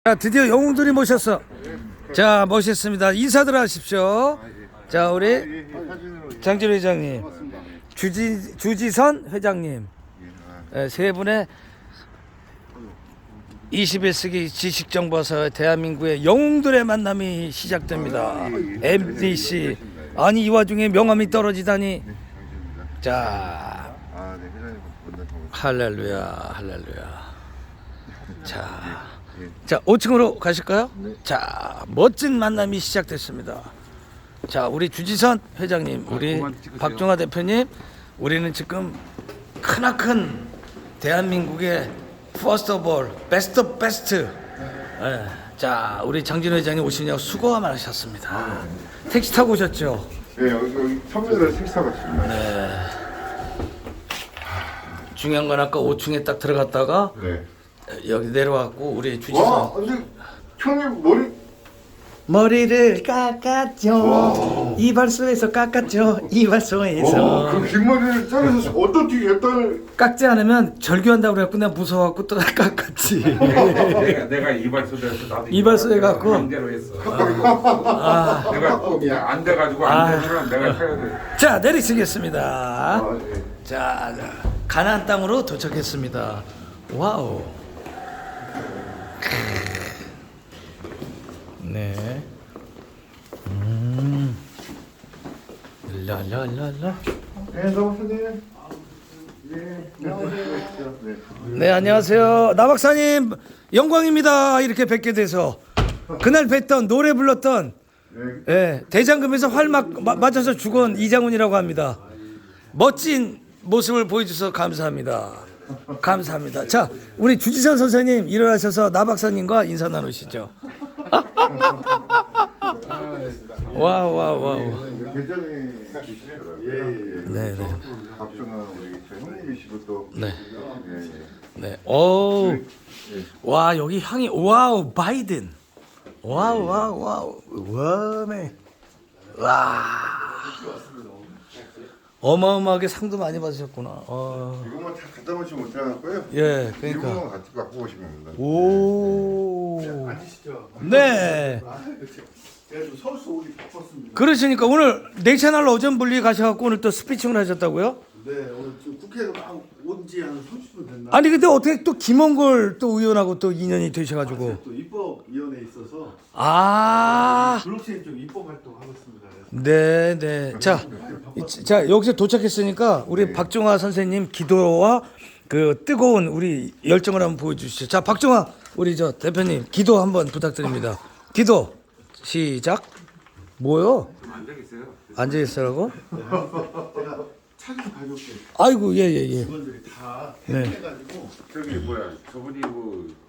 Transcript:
자, 드디어 영웅들이 모셨어. 자, 모셨습니다. 인사들 하십시오. 자, 우리 장진호 회장님, 주지선 회장님, 세 분의 21세기 지식정보사의 대한민국의 영웅들의 만남이 시작됩니다. MBC. 아니, 이 와중에 명함이 떨어지다니. 자, 할렐루야, 할렐루야. 자, 5층으로 가실까요? 자, 멋진 만남이 시작됐습니다. 자, 우리 주지선 회장님, 우리 박종화 대표님, 우리는 지금 크나큰 대한민국의 퍼스트 오브 올, 베스트 오브 베스트. 자, 우리 장진호 회장님 오시냐고 수고 많으셨습니다. 택시 타고 오셨죠? 네, 여기 선배들 식사 같습니다. 네. 중요한 건 아까 5층에 딱 들어갔다가 네. 여기 내려왔고 우리 주지선 와, 근데 형님 머리를 깎았죠. 이발소에서 깎았죠. 이발소에서. 그 긴 머리를 자르셔서 어떻게 했다를 깎지 않으면 절규한다고 그래갖고 내가 무서워갖고 또 깎았지. 내가 이발소에서 나도 이발소에 갖고? 맘대로 했어. 내가 안 돼가지고 안 되면 내가 해야 돼. 자, 내리시겠습니다. 네. 자, 가나안 땅으로 도착했습니다. 와우. 네. 랄랄랄라. 네, 나오세요. 네, 나오세요. 네. 네, 안녕하세요. 나 박사님 영광입니다. 이렇게 뵙게 돼서 그날 뵀던 노래 불렀던 예, 대장금에서 활 맞아서 죽은 이장훈이라고 합니다. 멋진 모습을 보여주셔서 감사합니다. 감사합니다. 자, 우리 주지선 선생님 일어나셔서 나 박사님과 인사 나누시죠. 와우. 굉장히 예. 네. 박정아 우리 저 형님이시고 또 네. 예. 네. 오. 와, 여기 향이 와우, 바이든. 와우. 와메. 와. 어마어마하게 상도 많이 받으셨구나. 이것만 다 갖다 놓지 못해갖고요. 예, 그러니까. 이거만 같이 갖고 오시면 됩니다. 오. 앉으시죠. 네. 제가 좀 서울서 오기 바빴습니다. 그러시니까 오늘 네 채널 오전 분리 가셔갖고 오늘 또 스피칭을 하셨다고요? 네, 오늘 지금 국회가 막 온 지 한 30분 됐나? 아니 근데 어떻게 또 김원걸 또 의원하고 또 인연이 되셔가지고. 제가 또 입법위원회에 있어서 아. 블록체인 쪽 입법 활동하고 있습니다. 네. 자 여기서 도착했으니까 우리 박종화 선생님 기도와 그 뜨거운 우리 열정을 한번 보여주시죠. 자, 박종화 우리 저 대표님 기도 한번 부탁드립니다. 기도 시작. 뭐요? 앉아 있으라고? 제가 차 좀 가져올게요. 아이고 예. 직원들이 다 네. 해가지고 저기 뭐야 저분이 뭐